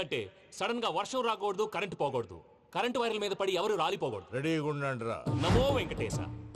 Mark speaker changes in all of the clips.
Speaker 1: ఎందుకంటే సడన్ గా వర్షం రాకూడదు, కరెంటు పోకూడదు, కరెంటు వైర్ల మీద పడి ఎవరు రాలిపోకూడదు.
Speaker 2: రెడీగా ఉండండిరా.
Speaker 1: నమో వెంకటేశ.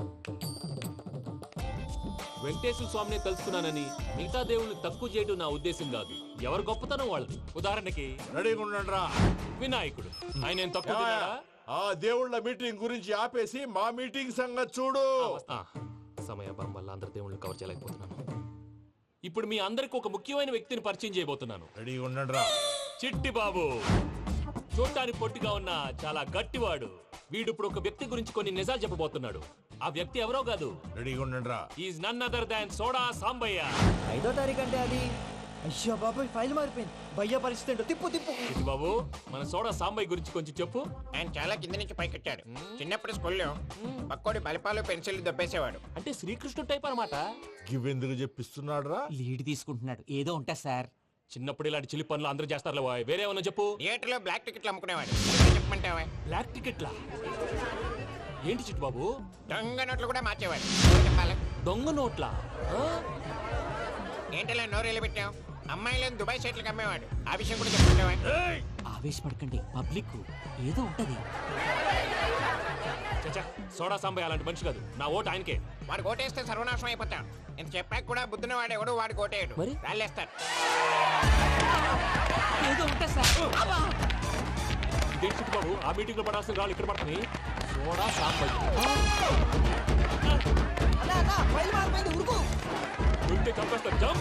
Speaker 1: వెంకటేశ్వర స్వామిని తెలుసుకున్నానని మిగతా దేవుళ్ళు తక్కువ చేయడం నా ఉద్దేశం కాదు. ఎవరు గొప్పతనం వాళ్ళది. ఉదాహరణకి
Speaker 2: రెడీగా ఉండండిరా.
Speaker 1: వినాయకుడు, ఆయన ఏం తక్కువ తిన్నాడా?
Speaker 2: ఆ దేవుళ్ళ మీటింగ్ గురించి ఆపేసి మా మీటింగ్ సంగతి చూడు.
Speaker 1: సమయాభావం వల్ల అందరి దేవుళ్ళని కవర్ చేయలేకపోతున్నాను. ఇప్పుడు మీ అందరికి ఒక ముఖ్యమైన వ్యక్తిని పరిచయం చేయబోతున్నాను.
Speaker 2: రెడీగా ఉండండిరా.
Speaker 1: చిట్టి బాబు. చూడటానికి పొట్టిగా ఉన్న చాలా గట్టివాడు. వీడు ఇప్పుడు ఒక వ్యక్తి గురించి కొన్ని నిజాలు చెప్పబోతున్నాడు. ఆ వ్యక్తి ఎవరో కాదు.
Speaker 2: రెడీగా ఉండండిరా.
Speaker 1: Is none other than soda Sambaiah.
Speaker 3: 5వ తారీఖు అంటే అది. అయ్యో బాబాయ్, ఫైల్ మారిపోయింది. భయ్య పరిస్థితి ఏంటో తిప్పు తిప్పు.
Speaker 1: చిట్టి బాబు, మన సోడా సాంబయ్య గురించి కొంచెం చెప్పు.
Speaker 4: ఆయన చాలా కింద నుంచి పైకెట్టాడు. చిన్నప్పుడు స్కూల్లో పక్కోడి బలిపాలు పెన్సిల్ దబ్బేసేవాడు.
Speaker 1: అంటే శ్రీకృష్ణుడు టైప్ అనమాట.
Speaker 2: గివెందుకు చెప్పిస్తున్నాడు రా?
Speaker 3: లీడ్ తీసుకుంటున్నాడు. ఏదో ఉంటా సార్.
Speaker 1: చిన్నప్పుడు ఇలాంటి చిలి పనులు అందరూ చేస్తారులే బాయ్. వేరే ఏమన్నా చెప్పు.
Speaker 4: థియేటర్లో బ్లాక్ టికెట్లు అమ్ముకునేవాడు. చెప్పమంటావా?
Speaker 1: బ్లాక్ టికెట్లా? ఏంటి చిట్టు బాబు?
Speaker 4: దొంగ నోట్లు కూడా మార్చేవాడు. చెప్పాలి.
Speaker 1: దొంగ నోట్లా?
Speaker 4: ఏంటలా నోరేళ్ళు పెట్టావు? అమ్మాయిలను దుబాయ్ సైట్లకు అమ్మేవాడు. ఆ విషయం కూడా చెప్పమంటావా?
Speaker 3: ఆవేశపడకండి, పబ్లిక్ ఏదో ఉంటది.
Speaker 1: చచ్చా, సోడా సాంబయ్య అలాంటి మనిషి కాదు. నా ఓటు ఆయనకే.
Speaker 4: వాడు కోటేస్తే సర్వనాశనం అయిపోతాం. ఇంత చెప్పాక కూడా బుద్ధిన వాడు ఎవడు వాడు కోటేయడు.
Speaker 1: మరి?
Speaker 4: రాళ్ళేస్తాడు.
Speaker 3: ఏదో ఉంటా సార్.
Speaker 1: ఇదేంటి చిట్టు బాబు, ఆ మీటింగ్ లో పడాల్సిన రాళ్ళు ఇక్కడ పడుతుంది. సోడా సాంబయ్య
Speaker 3: ఫైల్ మారిపోయింది, ఉరుకు.
Speaker 1: ఉంటే చంపేస్తా. జంప్.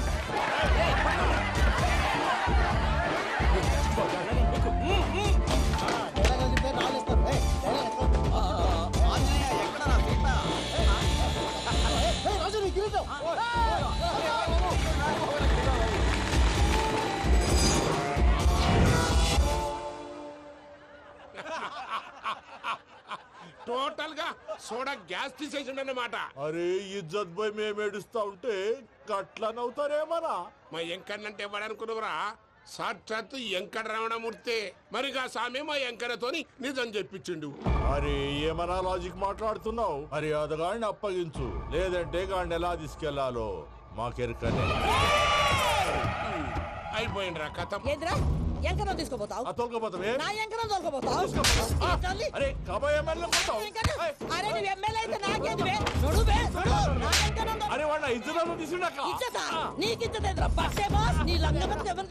Speaker 5: టోటల్ గా సోడా గ్యాస్ తీసేసిండు అన్నమాట.
Speaker 2: అరే ఇజ్జత్ పోయి మేము ఏడుస్తా ఉంటే గట్లా నవ్వుతారేమరా?
Speaker 5: మా ఎంకన్నంటే ఎవడనుకున్నావురా? సాక్షాత్తు ఎంకట రమణమూర్తి. మరిగా సామె మా ఎంకన్నతోని నిజం చెప్పించిండు.
Speaker 2: అరే ఏమన్నా లాజిక్ మాట్లాడుతున్నావు? అరే అదగాడిని అప్పగించు, లేదంటే గాడిని ఎలా తీసుకెళ్లాలో మాకెరకనే.
Speaker 5: అయిపోయిండ్రా కథ.
Speaker 6: ఏంద్రా ఎంకరం తీసుకోపోతావు?
Speaker 2: తోలుకోపోతావే?
Speaker 6: నా ఎంకరం తోలుకోపోతావు?
Speaker 2: అరే కబాయ్ ఎమ్మెల్యే కొట్టావు.
Speaker 6: అరే నువ్వు ఎమ్మెల్యే అయితే నాకేంది బే? నడువే, నడు. నా ఎంకరం
Speaker 2: అరే వాడిన ఇద్దరు తీసుకున్నాక
Speaker 6: ఇచ్చతా నీకు ఇచ్చదేంద్రా? బస్సే బాస్ నీ లంగమతి ఎవరు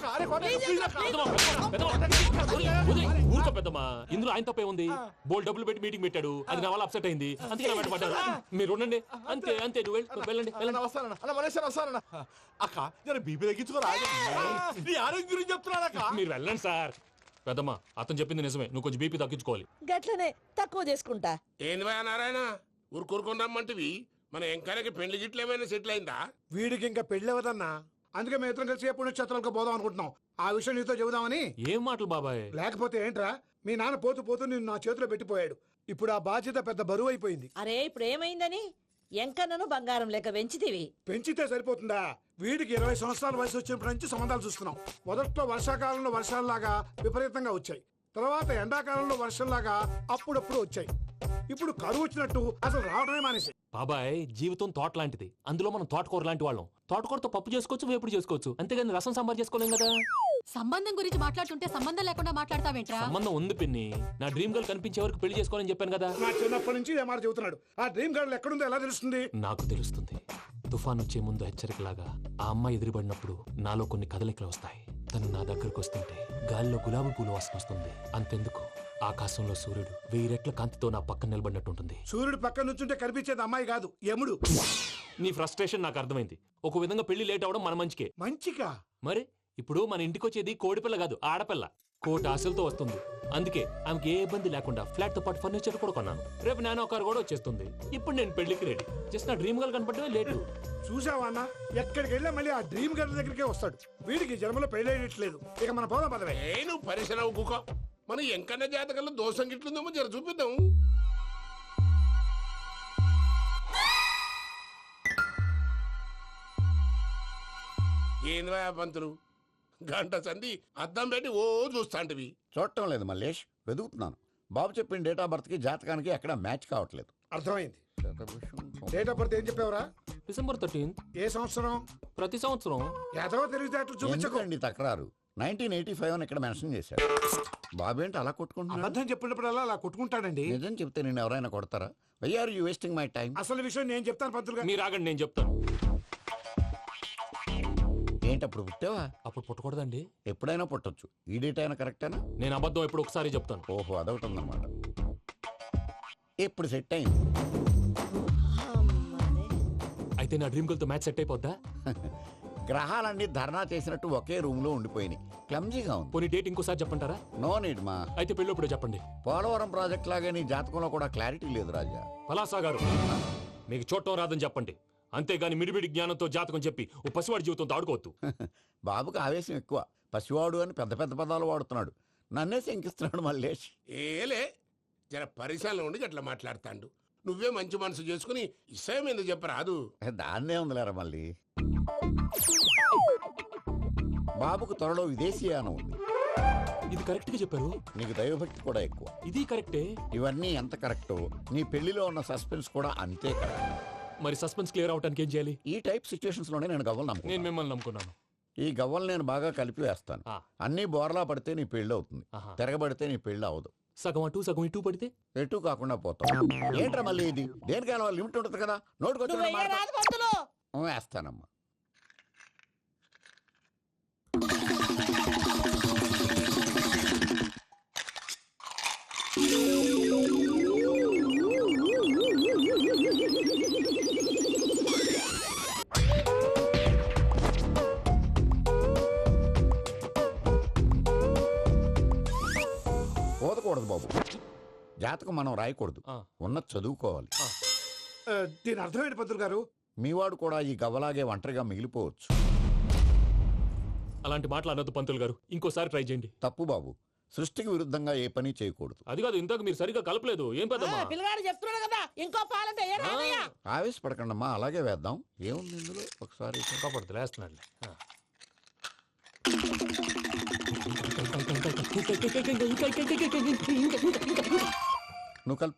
Speaker 1: ఊరుకో పెద్దమ్మా. ఇందులో ఆయన తప్పే ఉంది. బోల్ డబ్బులు పెట్టి మీటింగ్ పెట్టాడు. అది నా వల్ల అప్సెట్ అయింది. అందుకే నా వెంట పడ్డారు. మీరు ఉండండి. అంతే అంతే. నువ్వు వెళ్ళండి వెళ్ళండి.
Speaker 2: వస్తానన్నా అన్న మలేషియా వస్తానన్నా. అక్క నేను బీపీ తగ్గించుకోరా? నీ ఆరోగ్యం గురించి చెప్తున్నాను అక్క.
Speaker 1: మీరు వెళ్ళండి సార్. పెద్దమ్మా, అతను చెప్పింది నిజమే. నువ్వు కొంచెం బీపీ తగ్గించుకోవాలి.
Speaker 6: గట్లనే తక్కువ చేసుకుంటా.
Speaker 5: ఏంది భయ నారాయణ, ఊరుకూరుకొని రమ్మంటివి? మన ఎంకన్నకి పెళ్లి గిట్లు ఏమైనా సెటిల్ అయిందా?
Speaker 7: వీడికి ఇంకా పెళ్ళవదన్నా. అందుకే మేము ఇద్దరం కలిసి పుణ్యక్షేత్రాలకు పోదాం అనుకుంటున్నాం. ఆ విషయం నీతో చెబుదామని.
Speaker 1: ఏం మాటలు బాబాయ్?
Speaker 7: లేకపోతే ఏంట్రా, మీ నాన్న పోతూ పోతూ నిన్ను నా చేతిలో పెట్టిపోయాడు. ఇప్పుడు ఆ బాధ్యత పెద్ద బరువు అయిపోయింది.
Speaker 6: అరే ఇప్పుడు ఏమైందని? ఎంకన్నను బంగారం లెక్క పెంచితివి.
Speaker 7: పెంచితే సరిపోతుందా? వీడికి 20 సంవత్సరాల వయసు వచ్చినప్పటి నుంచి సంబంధాలు చూస్తున్నాం. మొదట్లో వర్షాకాలంలో వర్షాలలాగా విపరీతంగా వచ్చాయి. తర్వాత ఎండాకాలంలో వర్షంలాగా అప్పుడప్పుడు వచ్చాయి. ఇప్పుడు కరువు వచ్చినట్టు అసలు రావడమే మానేసి.
Speaker 1: బాబాయ్, జీవితం తోట లాంటిది. అందులో మనం తోటకూర లాంటి వాళ్ళం. తోటకూరతో పప్పు చేసుకోవచ్చు, వేపుడు చేసుకోవచ్చు. అంతేగాని రసం సాంబార్ చేసుకోలేం కదా.
Speaker 8: సంబంధం గురించి మాట్లాడుతుంటే సంబంధం లేకుండా మాట్లాడతావేంట్రా?
Speaker 1: సంబంధం ఉంది పిన్ని. నా డ్రీమ్ గర్ల్ కనిపించే వరకు పెళ్లి చేసుకోవాలని చెప్పాను కదా.
Speaker 7: నా చిన్నప్పటి నుంచి ఏ మాట చెబుతున్నాడు. ఆ డ్రీమ్ గర్ల్ ఎక్కడుందో ఎలా తెలుస్తుంది?
Speaker 1: నాకు తెలుస్తుంది. తుఫాన్ వచ్చే ముందు హెచ్చరికలాగా ఆ అమ్మాయి ఎదురుపడినప్పుడు నాలో కొన్ని కదలికలు వస్తాయి. తను నా దగ్గరకు వస్తుంటే గాలిలో గులాబీ పూలు వాసన వస్తుంది. అంతెందుకు, ఆకాశంలో సూర్యుడు 1000 రెట్ల కాంతితో నా పక్కన నిలబడినట్టుంటుంది.
Speaker 7: సూర్యుడు పక్కన నుంచుంటే కనిపించేది అమ్మాయి కాదు, యముడు.
Speaker 1: నీ ఫ్రస్ట్రేషన్ నాకు అర్థమైంది. ఒక విధంగా పెళ్లి లేట్ అవడం మన మంచికే.
Speaker 7: మంచిగా?
Speaker 1: మరి ఇప్పుడు మన ఇంటికి వచ్చేది కోడిపిల్ల కాదు, ఆడపిల్ల. కోటి ఆశలతో వస్తుంది. అందుకే ఆమెకి ఏ ఇబ్బంది లేకుండా ఫ్లాట్ తో పాటు ఫర్నిచర్ కూడా కొన్నాను. రేపు నానో కారు కూడా వచ్చేస్తుంది. ఇప్పుడు నేను పెళ్లికి రెడీ. జస్ట్ నా డ్రీమ్ గర్ల్ కనపడమే లేటు.
Speaker 7: చూసావా అన్న, ఎక్కడికి వెళ్ళా మళ్ళీ ఆ డ్రీమ్ గర్ల్ దగ్గరికే వస్తాడు. వీడికి జన్మలో పెళ్ళేయట్లేదు. ఇక మన పోదాం పదవే.
Speaker 5: నేను పరిశ్రమ కుక. మన ఎంకన్న జాతకంలో దోషం గిట్లుందేమో జర చూపిద్దాం. ఏంది పంతులు, గంట సంధి అద్దం పెట్టి ఓ చూస్తాంటివి.
Speaker 9: చూడటం లేదు మల్లేష్, వెతుకుతున్నాను. బాబు చెప్పిన డేట్ ఆఫ్ బర్త్ కి జాతకానికి ఎక్కడ మ్యాచ్ కావట్లేదు.
Speaker 7: అర్థమైంది. డేట్ ఆఫ్ బర్త్ ఏం చెప్పావురా?
Speaker 1: December 13th.
Speaker 7: ఏ సంవత్సరం?
Speaker 1: ప్రతి సంవత్సరం.
Speaker 7: ఎదవ తెలివితే అట్లు చూపించకండి.
Speaker 9: ఎందుకండి తక్రారు? 1985 అని ఇక్కడ మెన్షన్ చేశాడు. బాబు ఏంటి అలా కొట్టుకుంటున్నాడు?
Speaker 7: అబద్ధం చెప్పినప్పుడల్లా అలా కొట్టుకుంటాడండి.
Speaker 9: నిజం చెప్తే నేను ఎవరైనా కొడతారా? Why are you wasting my time?
Speaker 7: అసలు విషయం నేను చెప్తాను పంతులు గారు.
Speaker 1: మీరు ఆగండి, నేను చెప్తాను.
Speaker 9: ఏంటి అప్పుడు పుట్టావా?
Speaker 1: అప్పుడు పుట్టకూడదండి.
Speaker 9: ఎప్పుడైనా పుట్టొచ్చు. ఈ డేట్ అయినా కరెక్టేనా?
Speaker 1: నేను అబద్ధం ఎప్పుడు ఒకసారి చెప్తాను.
Speaker 9: ఓహో, అదొకటి ఉందన్నమాట. ఇప్పుడు సెట్ అయింది.
Speaker 1: అయితే నా డ్రీమ్ గర్ల్ తో మ్యాచ్ సెట్ అయిపోద్దా?
Speaker 9: గ్రహాలన్నీ ధర్నా చేసినట్టు ఒకే రూమ్ లో ఉండిపోయినాయి. క్లమ్జీగా ఉంది.
Speaker 1: పోనీ డేట్ ఇంకోసారి చెప్పంటారా?
Speaker 9: నో నీడ్ మా.
Speaker 1: అయితే పెళ్ళప్పుడు చెప్పండి.
Speaker 9: పోలవరం ప్రాజెక్ట్ లాగే నీ జాతకంలో కూడా క్లారిటీ లేదు రాజా.
Speaker 1: పలాసా గారు, మీకు చూడటం రాదని చెప్పండి. అంతేగాని మిడిమిడి జ్ఞానంతో జాతకం చెప్పి ఓ పసివాడి జీవితంతో ఆడుకోవద్దు.
Speaker 9: బాబుకి ఆవేశం ఎక్కువ. పసివాడు అని పెద్ద పెద్ద పదాలు వాడుతున్నాడు. నన్నే శంకిస్తున్నాడు మల్లేష్.
Speaker 5: ఏలే జర పరిశీలన ఉండి అట్లా మాట్లాడతాండు. నువ్వే మంచి మనసు చేసుకుని ఇష్టం ఎందుకు చెప్పరాదు?
Speaker 9: దాన్నే ఉందిలేరా మళ్ళీ. బాబుకు త్వరలో విదేశీయానం ఉంది.
Speaker 1: ఇది కరెక్ట్ గా చెప్పారు.
Speaker 9: నీకు దైవభక్తి కూడా ఎక్కువ.
Speaker 1: ఇది కరెక్టే.
Speaker 9: ఇవన్నీ ఎంత కరెక్టో నీ పెళ్లిలో ఉన్న సస్పెన్స్ కూడా అంతే కరెక్ట్.
Speaker 1: మరి సస్పెన్స్ క్లియర్ అవడానికి ఏం చేయాలి?
Speaker 9: ఈ టైప్ సిచ్యువేషన్స్ లోనే నేను గవ్వలు
Speaker 1: నేను
Speaker 9: నమ్ముకున్నాను.
Speaker 1: మిమ్మల్ని నమ్ముకున్నాను.
Speaker 9: ఈ గవ్వలు నేను బాగా కలిపి వేస్తాను.
Speaker 1: ఆ.
Speaker 9: అన్ని బోర్లా పడితే నీ పెళ్లి అవుతుంది.
Speaker 1: ఆహా.
Speaker 9: తిరగబడితే నీ పెళ్లి అవదు.
Speaker 1: సగం అటు సగం ఇటు పడితే
Speaker 9: ఎటు కాకుండా పోతాం. ఏంట్రా మళ్ళీ ఇది? దేనికైనా లిమిట్ ఉంటుంది కదా.
Speaker 6: నువ్వు
Speaker 9: నోటుకొచ్చిన
Speaker 6: రాదు పంతులు.
Speaker 9: వేస్తానమ్మా. పోదకూడదు బాబు. జాతకం మనం రాయకూడదు.
Speaker 1: ఆ.
Speaker 9: ఉన్నది చదువుకోవాలి.
Speaker 7: దీని అర్థమైంది పంతులు గారు.
Speaker 9: మీవాడు కూడా ఈ గవ్వలాగే ఒంటరిగా మిగిలిపోవచ్చు.
Speaker 1: అలాంటి మాటలు అనొద్దు పంతులు గారు. ఇంకోసారి ట్రై చేయండి.
Speaker 9: తప్పు బాబు. సృష్టికి విరుద్ధంగా ఏ పని చేయకూడదు.
Speaker 1: అది కాదు, ఇంతకు మీరు సరిగా కలపలేదు. ఏం పెద్దమ్మా?
Speaker 6: పిల్లగాడు చెప్తున్నాడు కదా ఇంకో పాలంటే ఏ రాదయ్యా.
Speaker 9: ఆవేశపడకండమ్మా, అలాగే వేద్దాం. ఏముంది ఇందులో? ఒకసారి
Speaker 1: కాపాడుతు లేస్తున్నాడు.
Speaker 9: నువ్వు కల్.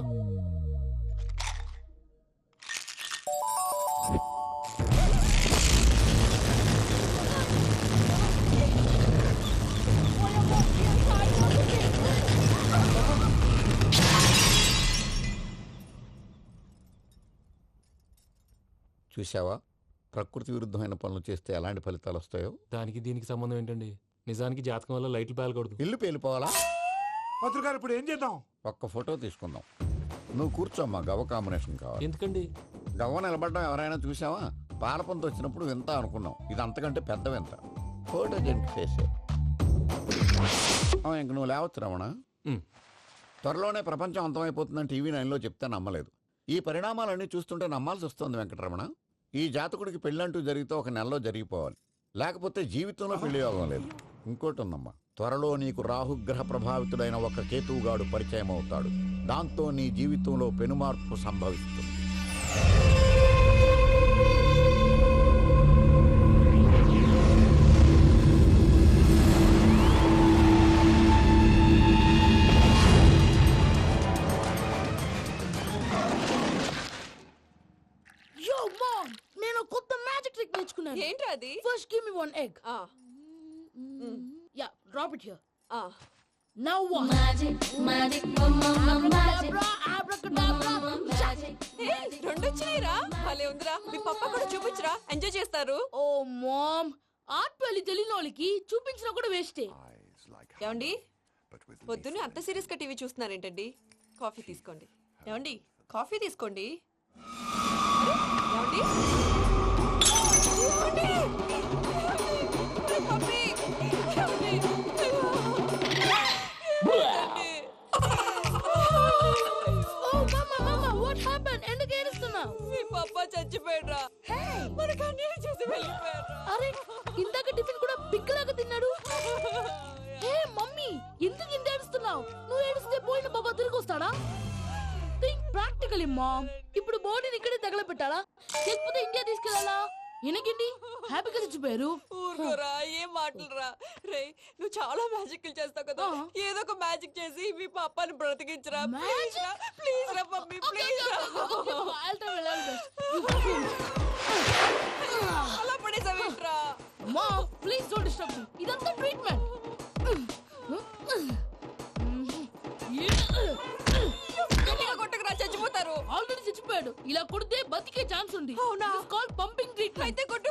Speaker 9: చూసావా, ప్రకృతి విరుద్ధమైన పనులు చేస్తే ఎలాంటి ఫలితాలు వస్తాయో.
Speaker 1: దానికి దీనికి సంబంధం ఏంటండి? నిజానికి జాతకం వల్ల లైట్లు పేలకూడదు.
Speaker 9: ఇల్లు పేలిపోవాలా?
Speaker 7: పంతులు గారు ఇప్పుడు ఏం చేద్దాం?
Speaker 9: ఒక్క ఫోటో తీసుకుందాం. నువ్వు కూర్చోమ్మా, గవ్వ కాంబినేషన్ కావాలి.
Speaker 1: ఎందుకండి?
Speaker 9: గవ్వ నిలబడ్డం ఎవరైనా చూసావా? పాలపంత వచ్చినప్పుడు వింత అనుకున్నాం. ఇది అంతకంటే పెద్ద వింత. ఫోటో జంక్ చేసే ఇంక నువ్వు లేవచ్చు రమణ. త్వరలోనే ప్రపంచం అంతమైపోతుందని టీవీ 9లో చెప్తే నమ్మలేదు. ఈ పరిణామాలన్నీ చూస్తుంటే నమ్మాల్సి వస్తుంది వెంకటరమణ. ఈ జాతకుడికి పెళ్ళంటూ జరిగితే ఒక నెలలో జరిగిపోవాలి. లేకపోతే జీవితంలో పెళ్లి యోగం లేదు. ఇంకోటి ఉందమ్మా, త్వరలో నీకు రాహుగ్రహ ప్రభావితుడైన ఒక కేతువుగాడు పరిచయం అవుతాడు. దాంతో నీ జీవితంలో పెనుమార్పు సంభవిస్తుంది.
Speaker 6: Yo mom, నేను కొత్త మ్యాజిక్ ట్రిక్ నేర్చుకున్నాను.
Speaker 8: ఏంట్రా అది?
Speaker 6: First give me one egg. Yeah, drop it here. Now what? Magic, abracadabra.
Speaker 8: రెండు వచ్చినాయిరా. భలే ఉందిరా. మీ పప్ప కూడా చూపించరా, ఎంజాయ్ చేస్తారు.
Speaker 6: Oh mom, ఆర్ట్ పెళ్లి తెలియని వాళ్ళకి చూపించినా కూడా వేస్టే.
Speaker 8: ఏమండి, పొద్దున్నే అంత సీరియస్ గా టీవీ చూస్తున్నారేంటండి? కాఫీ తీసుకోండి. ఏమండి, కాఫీ తీసుకోండి. ఏమండి? పప్పి! ఏమండి?
Speaker 6: Oh mama, what happened? ఎందుకు ఏడుస్తున్నావు?
Speaker 8: మీ పప్ప చచ్చిపోయాడురా. మనకు అన్యాయం చేసి వెళ్ళిపోయాడురా.
Speaker 6: అరే, ఇందాక టిఫిన్ కూడా పిక్కలాగా తిన్నాడు. హే మమ్మీ, ఎందుకు ఇంత ఏడుస్తున్నావు? నువ్వు ఏడిస్తే పోయిన బాబా తిరిగి వస్తాడా? Think practically mom. ఇప్పుడు బాడీని ఇక్కడే తగలబెట్టాలా లేకపోతే ఇండియా తీసుకెళ్లాలా? ఎనకండి హ్యాపీగా చచ్చిపోయారు.
Speaker 8: ఊరుకోరా, ఏం మాటలురా. రే, నువ్వు చాలా మ్యాజిక్లు చేస్తావు కదా, ఏదో ఒక మ్యాజిక్ చేసి మీ పాపాని బ్రతికించరా. ప్లీజ్ రా, ప్లీజ్ రా మమ్మీ, ప్లీజ్ రా.
Speaker 6: I'll try my best.
Speaker 8: అలా పడేసావేంట్రా?
Speaker 6: అమ్మా ప్లీజ్ డోంట్ డిస్టర్బ్ మీ. ఇదంతా ట్రీట్మెంట్.
Speaker 8: గట్టిగా కొట్టకురా, చచ్చిపోతారు.
Speaker 6: ఆల్రెడీ చచ్చిపోయాడు. ఇలా కొడితే బతికే ఛాన్స్ ఉంది.
Speaker 8: అవునా?
Speaker 6: కాల్ పంపింగ్ ట్రీట్మెంట్.
Speaker 8: అయితే కొట్టు.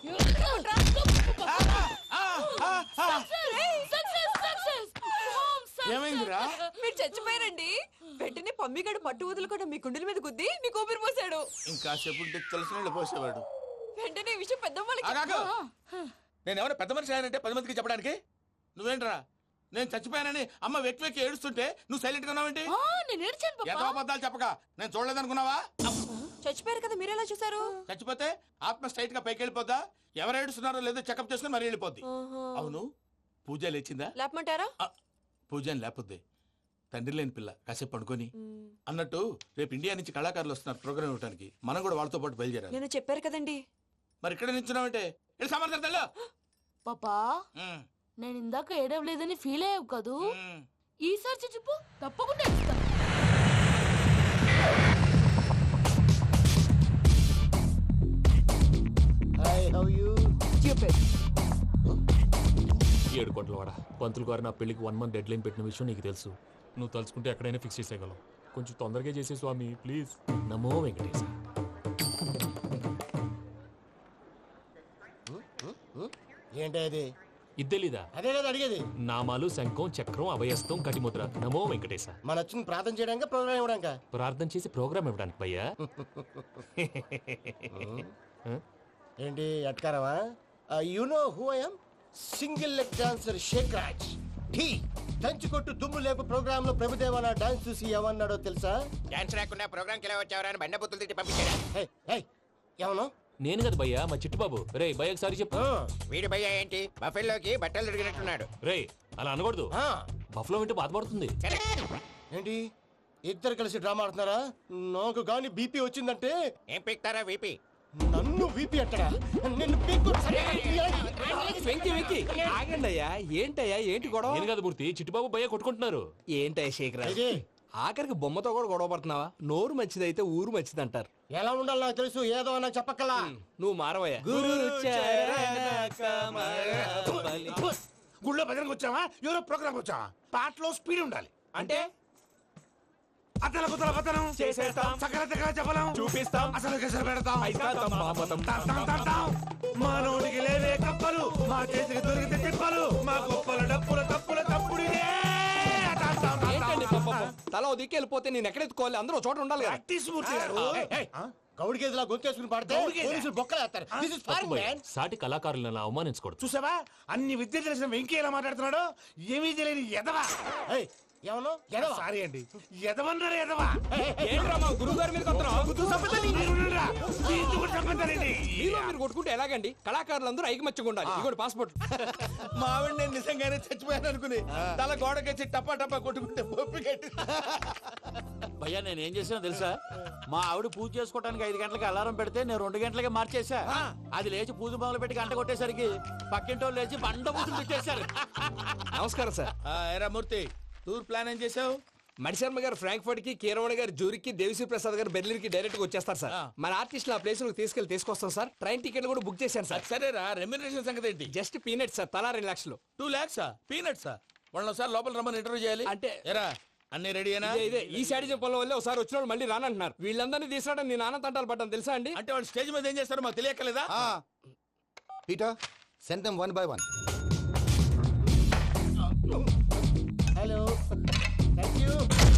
Speaker 3: ఏమైందిరా?
Speaker 8: మీరు చచ్చిపోయారండి. వెంటనే పమ్మిగాడు పట్టు వదులుకుండా మీ గుండెల మీద గుద్ది మీకు ఊపిరి పోసాడు.
Speaker 3: ఇంకా సేపు తెలిసిన పోసేవాడు.
Speaker 8: వెంటనే ఈ విషయం పెద్దవాళ్ళకి
Speaker 3: ఆగాగు. నేను ఎవరైనా పెద్ద మనిషి అయ్యానంటే 10 మందికి చెప్పడానికి? నువ్వేంట్రా నేను చచ్చిపోయానని అమ్మ వెక్కి వెక్కి ఏడుస్తుంటే నువ్వు సైలెంట్ గా ఉన్నావేంటి?
Speaker 6: నేను ఏడ్చాను పాపా.
Speaker 3: ఎంతో అబద్ధాలు చెప్పక నేను చూడలేదనుకున్నావా?
Speaker 8: చచ్చిపోయారు కదా, మీరెలా చూసారు?
Speaker 3: చచ్చిపోతే ఆత్మ స్ట్రైట్ గా పైకి వెళ్ళిపోద్దా? ఎవరు ఏడుస్తున్నారో లేదో చెకప్ చేసుకుని మరీ వెళ్ళిపోద్ది. అవును, పూజ లేచిందా?
Speaker 8: లేపమంటారా?
Speaker 3: పూజ అని లేకపోద్ది. తండ్రి లేని పిల్ల కాసేపు పడుకొని. అన్నట్టు రేపు ఇండియా నుంచి కళాకారులు వస్తున్నారు ప్రోగ్రామ్ ఇవ్వడానికి. మనం కూడా వాళ్ళతో పాటు బయలుదేరాలి.
Speaker 8: నేను చెప్పారు కదండి.
Speaker 3: మరి ఇక్కడ నిల్చున్నావంటే సమాధానం.
Speaker 6: పాపా నేను ఇందాక ఏడవలేదని ఫీల్ అయ్యావు కదూ. ఈసారి చచ్చిపో, తప్పకుండా ఏడుస్తా.
Speaker 1: ఏడు కోట్ల వాడ పంతులు గారు నా పెళ్లికి 1 month డెడ్ లైన్ పెట్టిన విషయం నీకు తెలుసు. నువ్వు తలుచుకుంటే ఎక్కడైనా ఫిక్స్ చేసేయగలవు. కొంచెం తొందరగా చేసే స్వామి ప్లీజ్. నమో వెంకటేశ.
Speaker 10: ఏంటి అది?
Speaker 1: ఇద్దెలీదా?
Speaker 10: అదే కదా అడిగేది.
Speaker 1: నామాలు శంఖం చక్రం అభయస్తం కటిముద్ర. నమో వెంకటేశ.
Speaker 10: మన వచ్చింది ప్రార్థన చేయడానికి, ప్రోగ్రామ్ ఇవ్వడానికా?
Speaker 1: ప్రార్థన చేసి ప్రోగ్రామ్ ఇవ్వడానికి భయ్యా.
Speaker 10: ఏంటి అట్కారమా? You know who I am? Single leg dancer Shaik Raj. ఢీ దంచి కొట్టు దుమ్ము లేపు ప్రోగ్రామ్ లో ప్రభుదేవ నా డాన్స్ చూసి ఏమన్నాడో తెలుసా?
Speaker 4: డాన్స్ రాకుండా ప్రోగ్రామ్ కి ఎలా వచ్చావరా అని బండ బుద్ధులు తిట్టి పంపించారా?
Speaker 10: ఏమను?
Speaker 1: నేను కదా భయ్యా, మా చిట్టుబాబు. రే భయ్యకి సారి చెప్పు.
Speaker 4: వీడి భయ్య ఏంటి బఫెల్లోకి బట్టలు తిరిగినట్టున్నాడు.
Speaker 1: రే అలా అనకూడదు. బఫ్లో వింటే బాధపడుతుంది.
Speaker 10: ఏంటి ఇద్దరు కలిసి డ్రామా ఆడుతున్నారా? నాకు గాని బీపీ వచ్చిందంటే
Speaker 4: ఏం పీక్తారా వీపీ?
Speaker 10: నన్ను బీపీ అంటారా? నిన్ను
Speaker 3: ఆగండి అయ్యా. ఏంటయ్యా ఏంటి గొడవ?
Speaker 1: నేను కదా మూర్తి, చిట్టుబాబు భయ్య కొట్టుకుంటున్నారు.
Speaker 3: ఏంటయ్యా శేఖరా, ఆఖరికి బొమ్మతో కూడా గొడవ పడుతున్నావా? నోరు మంచిదైతే ఊరు మంచిది అంటారు.
Speaker 10: ఎలా ఉండాలి నాకు తెలుసు, ఏదో నాకు చెప్పక్కలా.
Speaker 3: నువ్వు మారవయ్యా. గుళ్ళో భజనకు వచ్చావా? ఎవరో ప్రోగ్రామ్ వచ్చావా? పాటలో స్పీడ్ ఉండాలి. అంటే అతల కుతల పతనం చేసేస్తాం, సకల దగ్గర చెప్పలేం, చూపిస్తాం, అసలు గసలు పెడతాం, మానవుడికి లేవే కప్పలు, మా చేతికి దొరికితే తిప్పలు, మా గొప్పల డప్పుల తప్పుల తప్పుడు. తల దిక్కి వెళ్ళిపోతే నేను ఎక్కడెత్తుకోవాలి? అందరూ చోట ఉండాలి కదా.
Speaker 10: గౌడి గేదెలా గొంతేసుకుని పాడితే పోలీసులు బొక్కలేస్తారు. This is foreign, man.
Speaker 1: సాటి కళాకారులను అవమానించకూడదు.
Speaker 3: చూసావా అన్ని విద్య తెలిసిన వెంకీ ఎలా మాట్లాడుతున్నాడు? ఏమీ తెలియని ఎదవా.
Speaker 10: ఏమను?
Speaker 3: సారీ అండి, ఎదవన్నారు ఎదవా. గురువు గారి మీద మీరు కొట్టుకుంటే ఎలాగండి? కళాకారులందరూ ఐకమత్యంగా ఉండాలి. ఇదిగోటి పాస్పోర్ట్. మా ఆవిడ నేను నిజంగానే చచ్చిపోయాను అనుకుని తల గోడకొచ్చి టపా టపా కొట్టుకుంటే
Speaker 11: భయ్యా నేనేం చేసానో తెలుసా? మా ఆవిడ పూజ చేసుకోవడానికి 5 గంటలకి అలారం పెడితే నేను 2 గంటలకి మార్చేసా. అది లేచి పూజ మొదలు పెట్టి గంట కొట్టేసరికి పక్కింటోళ్ళు లేచి బండ పూజలు పెట్టేశారు.
Speaker 3: నమస్కారం సార్. ఎరా మూర్తి, టూర్ ప్లాన్ ఏం చేసావు? మణిశర్మ గారు ఫ్రాంక్ఫర్ట్ కి, కీరవాణి గారు జూరిక్ కి, దేవిశ్రీ ప్రసాద్ గారు బెర్లిన్ కి డైరెక్ట్ గా వచ్చేస్తారు సార్. మన ఆర్టిస్ట్ ఆ ప్లేస్ తీసుకొస్తాం సార్. ట్రైన్ టికెట్ కూడా బుక్ చేశాను సార్. సరేరా, రెమ్యూనరేషన్ సంగతి ఏంటి? జస్ట్ పీనట్స్ సార్, తలా 2 లక్షలు. 2 lakhs పీనట్స్? వాళ్ళని ఒకసారి లోపల రమ్మని ఇంటర్వ్యూ చేయాలి. అంటే ఎరా అన్ని రెడీనా? ఇదే ఈ శాడిజం పొలం వల్ల ఒకసారి వచ్చిన వాళ్ళు మళ్ళీ రానంటున్నారు. వీళ్ళందరినీ తీసుకురావడం నేను ఆనంద తంటాలు పడ్డాను తెలుసా అండి. అంటే వాళ్ళు స్టేజ్ మీద ఏం చేస్తారో మాకు తెలియక్కలేదా?
Speaker 12: Peter, send them one by one.
Speaker 10: Hello, thank you.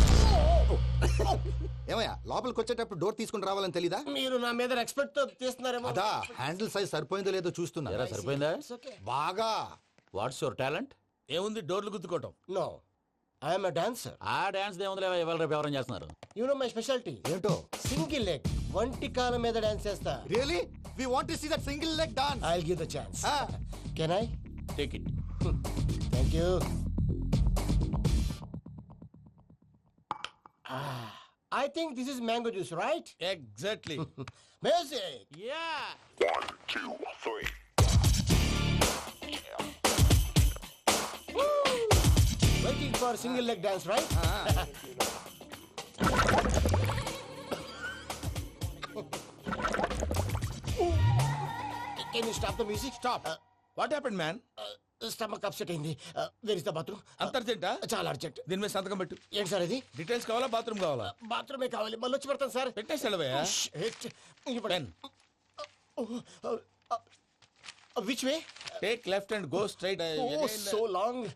Speaker 12: ఏమయ్యా లోపలికి వచ్చేటప్పుడు డోర్ తీసుకుని రావాలని తెలీదా?
Speaker 10: మీరు నా మీద ఎక్స్పెక్ట్ తో తీస్తున్నారేమో.
Speaker 12: అదా హ్యాండిల్ సైజ్ సరిపోయిందో లేదో చూస్తున్నా.
Speaker 11: సరిపోయిందా?
Speaker 12: బాగా.
Speaker 11: What's your talent?
Speaker 3: ఏముంది డోర్లు గుద్దుకోవటం.
Speaker 10: No, I'm dancer.
Speaker 11: ఆ డాన్స్ దేవుందిలే, ఇవాళ రేపు ఎవరైనా చేస్తున్నారు.
Speaker 10: యు నో మై స్పెషాలిటీ
Speaker 12: ఏంటో?
Speaker 10: సింగిల్ లెగ్, వంటి కాలం మీద డాన్స్ చేస్తా.
Speaker 12: Really? We want to see that single leg dance.
Speaker 10: I will give the chance. Can I
Speaker 11: take it.
Speaker 10: Thank you. I think this is mango juice, right?
Speaker 3: Exactly.
Speaker 10: Music.
Speaker 11: Yeah.
Speaker 5: 1, 2, 3.
Speaker 10: Waiting for single leg dance, right? Can you stop the music?
Speaker 3: Stop. What happened man?
Speaker 10: Stomach upset అయింది. Where is the bathroom?
Speaker 3: అంత అర్జెంటా?
Speaker 10: చాలా urgent.
Speaker 3: దీని మీద సంతకం పెట్టు.
Speaker 10: ఏంటి sir ఇది?
Speaker 3: డీటెయిల్స్ కావాలా బాత్రూమ్ కావాలా?
Speaker 10: బాత్రూమే కావాలి, మళ్ళీ వచ్చి పెడతాను సార్.
Speaker 3: పెట్టేసి వెళ్ళవయ్యా. Pen.
Speaker 10: Which way?
Speaker 3: Take left and go straight.
Speaker 10: So long.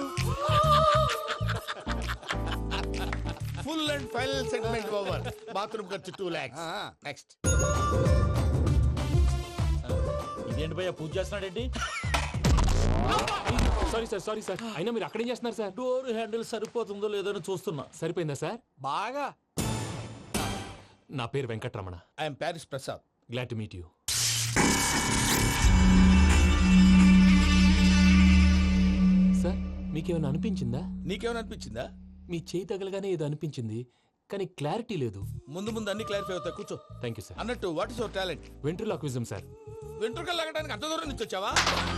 Speaker 3: Full and final segment over. Bathroom ఖర్చు 2 lakhs. నెక్స్ట్.
Speaker 11: ఇదేంటి భయ్యా పూజ చేస్తున్నాడేంటి?
Speaker 1: సారీ సార్ అయినా మీరు అక్కడేం చేస్తున్నారు సార్?
Speaker 11: డోర్ హ్యాండిల్ సరిపోతుందో లేదో అని చూస్తున్నా.
Speaker 1: సరిపోయిందా సార్?
Speaker 11: బాగా.
Speaker 1: నా పేరు Venkatramana.
Speaker 3: I'm Paris Prasad.
Speaker 1: Glad to meet you. Sir మీకేమైనా అనిపించిందా?
Speaker 3: నీకేమైనా అనిపించిందా?
Speaker 1: మీ చేయి తగలగానే ఏదో అనిపించింది, కానీ క్లారిటీ లేదు.
Speaker 3: ముందు అన్ని క్లారిఫై అవుతాయి, కూర్చో.
Speaker 1: Thank you sir.
Speaker 3: అన్నట్టు what is your talent?
Speaker 1: Ventriloquism sir.
Speaker 3: వెంట్రుకలు లాగడానికి అంత దూరం నుంచి వచ్చావా?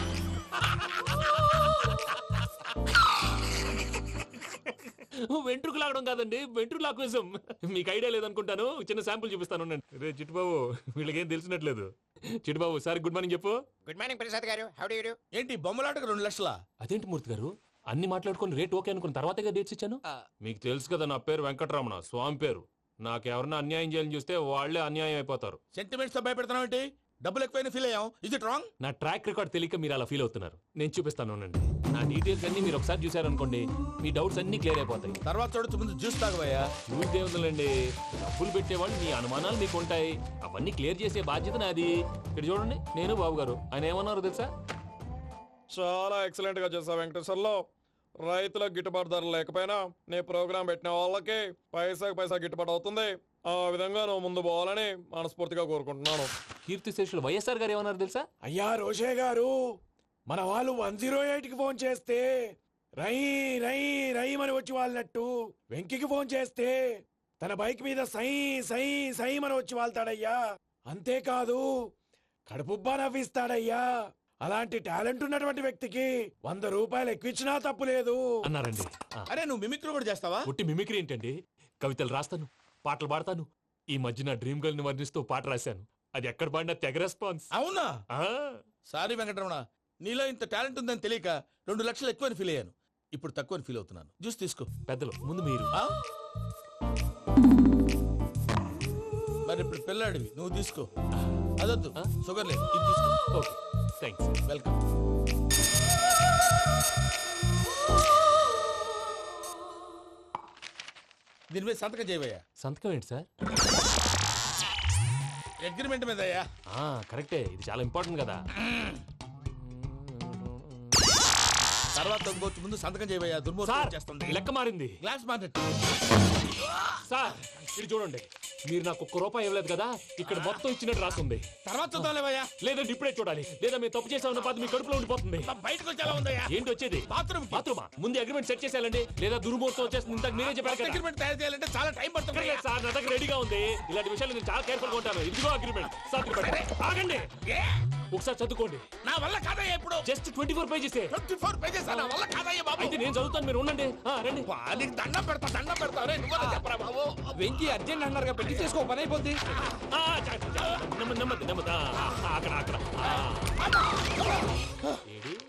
Speaker 1: వెంట్రుకు లాగడం కాదండి, వెంట్రులాక్విజం. మీకు ఐడియా లేదనుకుంటాను, చిన్న శాంపుల్ చూపిస్తాను. రే చిట్టుబాబు, వీళ్ళకేం తెలిసినట్లేదు. చిట్టుబాబు సార్ గుడ్ మార్నింగ్ చెప్పు.
Speaker 4: Good morning Prasad garu. How do you do?
Speaker 3: ఏంటి బొమ్మలాటకు 2 లక్షలా?
Speaker 1: అదేంటి మూర్తి గారు, అన్ని మాట్లాడుకొని రేట్ ఓకే అనుకున్న తర్వాతగా డేట్స్ ఇచ్చాను. మీకు తెలుసు కదా నా పేరు వెంకటరమణ, స్వామి పేరు. నాకెవరన్నా అన్యాయం చేయాలని చూస్తే వాళ్లే అన్యాయం అయిపోతారు.
Speaker 3: సెంటిమెంట్స్ తో భయపెడతావు ఏంటి? డబ్బులు ఎక్కువైనా ఫీల్ అయ్యాం. Is it wrong?
Speaker 1: నా ట్రాక్ రికార్డ్ తెలియక మీరు అలా ఫీల్ అవుతున్నారు. నేను చూపిస్తాను ఉండండి. నా డీటెయిల్స్ అన్ని మీరు ఒకసారి చూసారనుకోండి, మీ డౌట్స్ అన్ని క్లియర్ అయిపోతాయి.
Speaker 3: తర్వాత చూడొచ్చు, ముందు జ్యూస్ తాగబోయా.
Speaker 1: చూస్ దేవుందండి, డబ్బులు పెట్టేవాళ్ళు మీ అనుమానాలు మీకు ఉంటాయి, అవన్నీ క్లియర్ చేసే బాధ్యత నాది. ఇక్కడ చూడండి, నేను బాబు గారు. ఆయన ఏమన్నారు తెలుసా?
Speaker 13: చాలా ఎక్సలెంట్ గా చేశావు వెంకటేశ్వర్లో. రైతులకు గిట్టుబాటు ధర లేకపోయినా నీ ప్రోగ్రాం పెట్టిన వాళ్ళకి పైసాకి పైసా గిట్టుబాటు అవుతుంది. ఆ విధంగా నువ్వు ముందు పోవాలని మనస్ఫూర్తిగా కోరుకుంటున్నాను.
Speaker 1: కీర్తిశేషులు వైఎస్ఆర్ గారు ఏమన్నారు తెలుసా?
Speaker 14: అయ్యా రోషే గారు, మన వాళ్ళు 108కి ఫోన్ చేస్తే రై రై రై అని వచ్చి వాళ్ళనట్టు, వెంకికి ఫోన్ చేస్తే తన బైక్ మీద సై సై సై అని వచ్చి వాళ్తాడయ్యా. అంతేకాదు కడుపుబ్బా నవ్విస్తాడయ్యా. అలాంటి టాలెంట్ ఉన్నటువంటి వ్యక్తికి 100 రూపాయలు ఎక్కువచ్చినా తప్పు లేదు
Speaker 1: అన్నారండి.
Speaker 3: అరే నువ్వు మిమిక్రీ కూడా చేస్తావా?
Speaker 1: ఒట్టి మిమిక్రీ ఏంటండి, కవితలు రాస్తాను, పాటలు పాడతాను. ఈ మధ్య నా డ్రీమ్ గర్ల్ ని వర్ణిస్తూ పాట రాశాను. అది ఎక్కడ పాడినా తెగ రెస్పాన్స్.
Speaker 3: అవునా? సారీ వెంకటరమణ, నీలో ఇంత టాలెంట్ ఉందని తెలియక 2 లక్షలు ఎక్కువని ఫీల్ అయ్యాను. ఇప్పుడు తక్కువని ఫీల్ అవుతున్నాను. జ్యూస్ తీసుకో.
Speaker 1: పెద్దలు ముందు మీరు.
Speaker 3: మరి ఇప్పుడు పిల్లాడివి, నువ్వు తీసుకో. అదొద్దు, షుగర్ లేదు, ఇది తీసుకో.
Speaker 1: Okay thanks.
Speaker 3: వెల్కమ్. దీని మీద సంతకం చేయవయ్యా.
Speaker 1: సంతకం ఏంటి సార్?
Speaker 3: అగ్రిమెంట్ మీద అయ్యా.
Speaker 1: కరెక్టే, ఇది చాలా ఇంపార్టెంట్ కదా.
Speaker 3: తర్వాత ఇంకొచ్చి ముందు సంతకం చేయవయ్యా. దుర్మోహం చేస్తుంది.
Speaker 1: లెక్క మారింది.
Speaker 3: Glass market.
Speaker 1: సార్ ఇది చూడండి, మీరు నాకు 1 రూపాయి ఇవ్వలేదు కదా, ఇక్కడ మొత్తం ఇచ్చినట్టు రాస్తుంది.
Speaker 3: తర్వాత చూద్దాంలేవయ్యా.
Speaker 1: లేదంటే ఇప్పుడే చూడాలి, లేదా మీరు తప్పు చేసామన్న బాధ మీ కడుపులో ఉండిపోతుంది.
Speaker 3: బయటకు వచ్చేలా ఉందయ్యా.
Speaker 1: ఏంటి వచ్చేది?
Speaker 3: బాత్రూమా?
Speaker 1: ముందు అగ్రిమెంట్ సెట్ చేసేయాలండి, లేదా దుర్మూర్తం వచ్చేస్తుంది. ఇంతకు మీరే చెప్పారు కదా.
Speaker 3: అగ్రిమెంట్ తయారు చేయాలంటే చాలా టైం పడుతుంది
Speaker 1: సార్. నా దగ్గర రెడీగా ఉంది. ఇలాంటి విషయాలు నేను చాలా కేర్ఫుల్ గా ఉంటాను. ఇదిగో అగ్రిమెంట్. ఆగండి, ఒకసారి చదువుకోండి.
Speaker 3: నా వల్ల కాదయ్యా. ఇప్పుడు
Speaker 1: జస్ట్ 24 పేజెస్.
Speaker 3: 24 పేజెస్ నా వల్ల కాదయ్యా బాబు.
Speaker 1: అయితే నేను చదువుతాను, మీరు ఉండండి. రండి.
Speaker 3: నీకు దండం పెడతా చెప్పరా బాబు.
Speaker 1: వెంకీ అర్జెంట్ అన్నారుగా, పెళ్లి చేసుకో, పని అయిపోద్ది. నెమ్మది నెమ్మది. అక్కడ ఏడి